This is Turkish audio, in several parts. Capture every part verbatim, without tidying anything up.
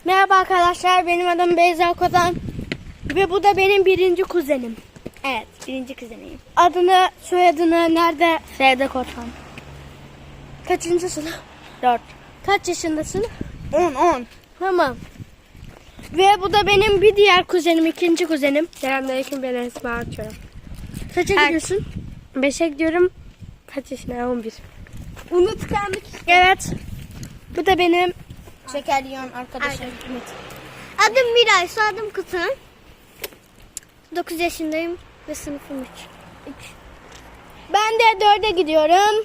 Merhaba arkadaşlar, benim adım Beyza Kozan ve bu da benim birinci kuzenim. Evet, birinci kuzeniyim. Adını, soyadını, nerede? Sevde Kozan. Kaçıncı sınıf? Dört. Kaç yaşındasın? On, on. Tamam. Ve bu da benim bir diğer kuzenim, ikinci kuzenim. Selamünaleyküm, ben Esma Açıyorum. Kaça Kaç? gidiyorsun? Beşe gidiyorum. Kaç yaşına? on bir. Unutkanlık. Evet. Bu da benim şeker yiyen arkadaşım. Evet. Adım Miray, soyadım Kutu'nun. dokuz yaşındayım ve sınıfım üç. Ben de dörde gidiyorum.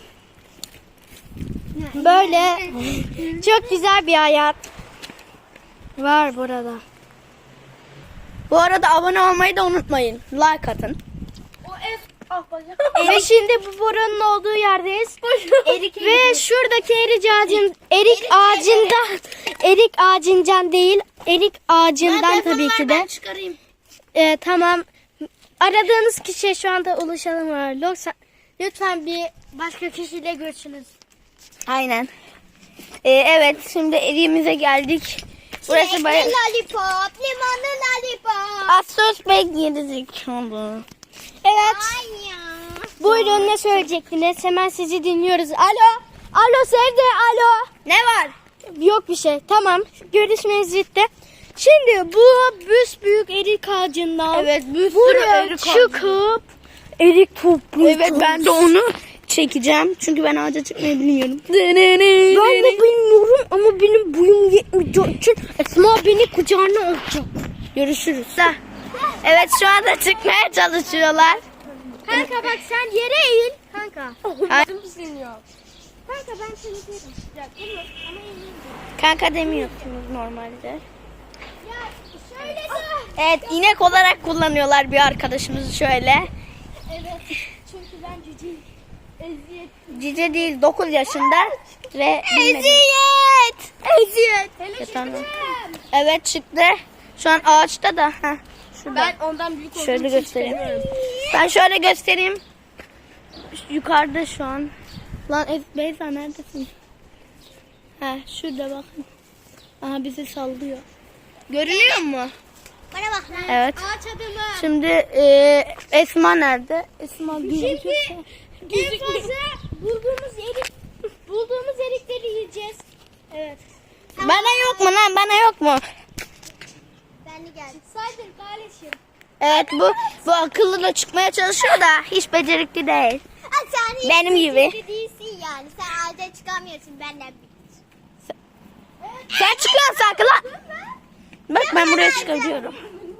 Böyle çok güzel bir hayat var burada. Bu arada abone olmayı da unutmayın. Like atın. Ve şimdi bu boranın olduğu yerdeyiz. Ve şuradaki erik ağacın erik ağacından erik ağacından değil, erik ağacından tabii ki de. Çıkarayım. Ee, tamam. Aradığınız kişiye şu anda ulaşalım var. Lütfen, lütfen bir başka kişiyle görüşünüz. Aynen. Ee, evet, şimdi evimize geldik. Burası bayağı... lollipop, limonlu lollipop. Asos bekledik oldu. Evet. Ay ya. Buyurun, ne söyleyecektiniz? Hemen sizi dinliyoruz. Alo. Alo Sevde, alo. Ne var? Yok bir şey. Tamam. Görüşmeniz bitti. Şimdi bu büyük erik ağacından Evet, bir sürü buraya erik ağacı. çıkıp erik toplayacağız. Evet, ben de onu çekeceğim. Çünkü ben ağaca çıkmayı bilmiyorum. Ben de bilmiyorum ama benim boyum yetmeyeceği için Esma beni kucağına alacak. Görüşürüz. Evet, şu anda çıkmaya çalışıyorlar. Kanka bak, sen yere eğil. Kanka. Ay- Kanka ben seni derim. Ya, dur, ama eğileyim. Kanka demiyorsunuz normalde. Ya şöyle de. Evet, inek olarak kullanıyorlar bir arkadaşımızı şöyle. Evet. Çünkü ben cüceyim. Eziyet. Cice değil, dokuz yaşında ve bilmedi. Eziyet. Eziyet. Hele Tamam. çıktım. Evet, çıktı. Şu an ağaçta da. Heh, şurada. Ben ondan büyük olduğum Şöyle için göstereyim. istemiyorum. Ben şöyle göstereyim. Yukarıda şu an. Lan Ez- Beyza neredesin? Ha, şurada bakın. Aha, bizi sallıyor. Görünüyor mu? Bana bak lan. Evet. Ağaç adımı. Şimdi e, Esma nerede? Esma gözüküyorsa. En fazla bulduğumuz erik, bulduğumuz erikleri yiyeceğiz. Evet. Bana yok mu lan? Bana yok mu? Ben de geldim. Saydır kardeşim. Evet, bu bu akıllı da çıkmaya çalışıyor da hiç becerikli değil. Ay, sen hiç Benim gibi. becerikli değilsin yani. Sen ağaca çıkamıyorsun benden bir. Sen çıkıyorsun sakın lan. Bak, ben buraya çıkabiliyorum.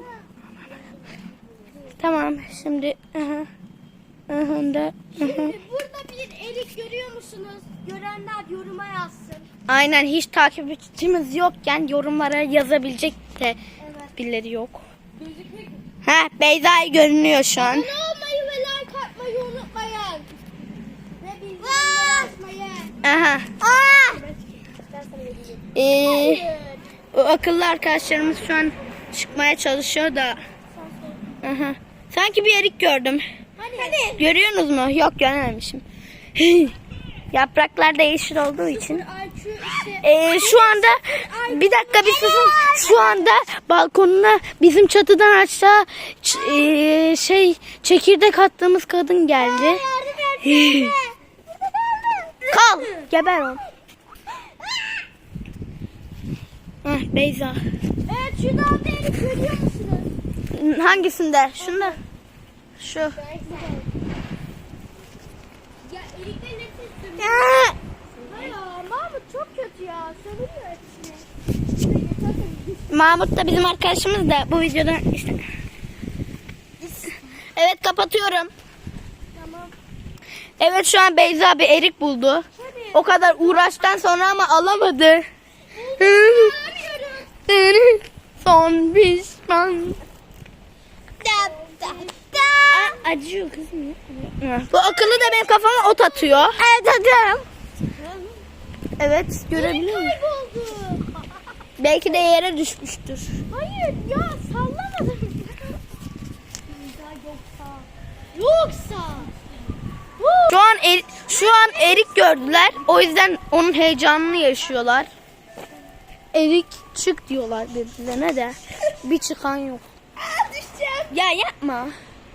Tamam, şimdi aha. Aha da. Aha. Burada bir erik görüyor musunuz? Görenler yoruma yazsın. Aynen, hiç takipçimiz yokken yorumlara yazabilecek de birileri yok. Gözükmek. Ha, Beyza'yı görünüyor şu an. Abone olmayı ve like atmayı unutmayın. Ve bildirimleri açmayı. Aha. Aa! Ee, o akıllı arkadaşlarımız şu an çıkmaya çalışıyor da. Aha. Sanki bir erik gördüm. Hani? Görüyorsunuz mu? Yok, görememişim. Yapraklar da yeşil olduğu için. Ay şu işte. Ee, şu anda bir dakika bir susun. Şu anda balkonuna bizim çatıdan aşağı ç- ee, şey çekirdek attığımız kadın geldi. Kal. Geber ol. Hah, Beyza. Evet, şu dağda erik görüyor musunuz? Hangisinde? Şunda. Şu. Ya erikten nefes sürüyor. Aa! Hayır, Mahmut çok kötü ya. Söylüyor hepsini. Mahmut da bizim arkadaşımız da bu videoda işte. Evet, kapatıyorum. Tamam. Evet, şu an Beyza bir erik buldu. O kadar uğraştan sonra ama alamadı. Son pişman. Da, da, da. Aa, acıyor kızım. Bu akıllı da benim kafama ot atıyor. Evet, atıyorum. Evet, görebiliyor musun? Kayboldu. Belki de yere düşmüştür. Hayır ya, sallamadım. Yoksa. Yoksa. Şu an er- şu an erik gördüler. O yüzden onun heyecanını yaşıyorlar. Erik çık diyorlar birbirlerine de. Bir çıkan yok. Düşeceğim. Ya yapma.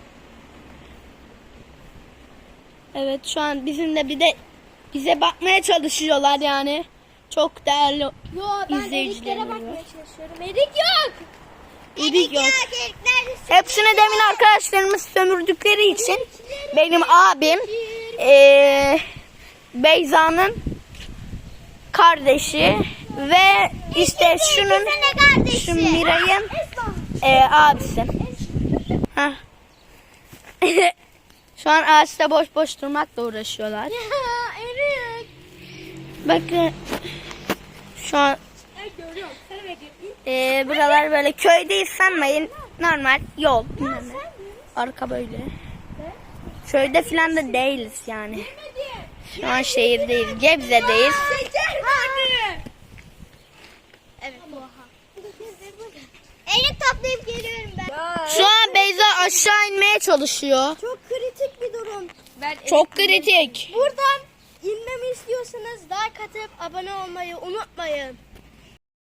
Evet şu an bizimle bir de bize bakmaya çalışıyorlar yani. Çok değerli Yo ben izleyiciler eriklere oluyor. bakmaya çalışıyorum. Erik yok. Erik yok. Erik neredesin? Hepsini demin arkadaşlarımız sömürdükleri için benim abim eee Beyza'nın kardeşi ve işte şunun şu Miray'ın eee abisi. Heh. Şu an ağaçta boş boş durmakla uğraşıyorlar. Erik. Bakın şu an Evet görüyorum. Sana bekliyorum. eee buralar böyle köydeyiz sanmayın. Normal yol. bilmem ne. Arka böyle. Köyde falan da değiliz yani. Şu an şehirdeyiz. Gebze'deyiz. Evet. Erik toplayıp geliyorum ben. Şu an Beyza aşağı inmeye çalışıyor. Çok kritik bir durum. Ben Çok kritik. Buradan inmemi istiyorsanız like atıp abone olmayı unutmayın.